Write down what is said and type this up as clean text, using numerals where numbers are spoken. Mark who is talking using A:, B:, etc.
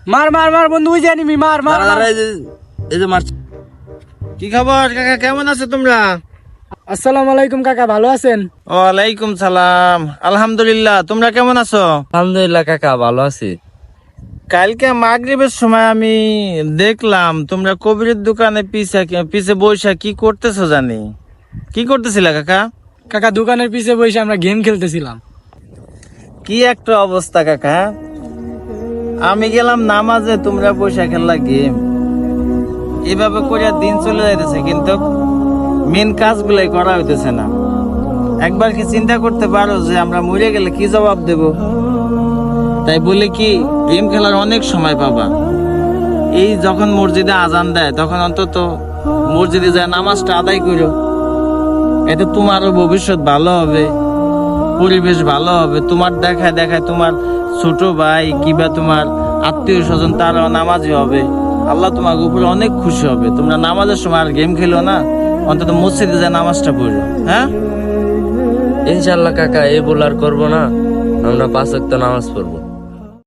A: মার মার মার বন্ধু, ওই জানি মার মার মার।
B: এই যে মার। কি খবর কাকা, কেমন আছো তোমরা?
A: আসসালামু আলাইকুম কাকা, ভালো আছেন?
B: ওয়ালাইকুম সালাম, আলহামদুলিল্লাহ। তোমরা কেমন আছো?
C: আলহামদুলিল্লাহ কাকা, ভালো আছি।
B: কালকে মাগরিবের সময় আমি দেখলাম তোমরা কবিরের দোকানে পিছে বইসা কি করতেছো জানি। কি করতেছিলা কাকা?
A: কাকা দোকানের পিছে বসে আমরা গেম খেলতেছিলাম।
B: কি একটা অবস্থা কাকা, আমি গেলাম নামাজে, তোমরা বইসা খেললা গেম। এভাবে করে দিন চলে যাইতেছে, কিন্তু মেন কাজগুলাই করা হইতেছে না। একবার কি চিন্তা করতে পারো যে আমরা মরে গেলে কি জবাব দেব? তাই বলে কি গেম খেলার অনেক সময় পাবা। এই যখন মসজিদে আজান দেয় তখন অন্তত মসজিদে যায় নামাজটা আদায় করো, এতে তোমারও ভবিষ্যৎ ভালো হবে, পরিবেশ ভালো হবে। তোমার দেখায় দেখায় তোমার ছোট ভাই কিংবা তোমার আত্মীয় স্বজন তারাও নামাজি হবে, আল্লাহ তোমার উপরে অনেক খুশি হবে। তোমরা নামাজের সময় আর গেম খেলো না, অন্তত মসজিদে যায় নামাজটা পড়ো। হ্যাঁ
C: ইনশাল্লাহ কাকা, এই ভুল আর করবো না। আমরা 5 ওয়াক্ত নামাজ পড়বো।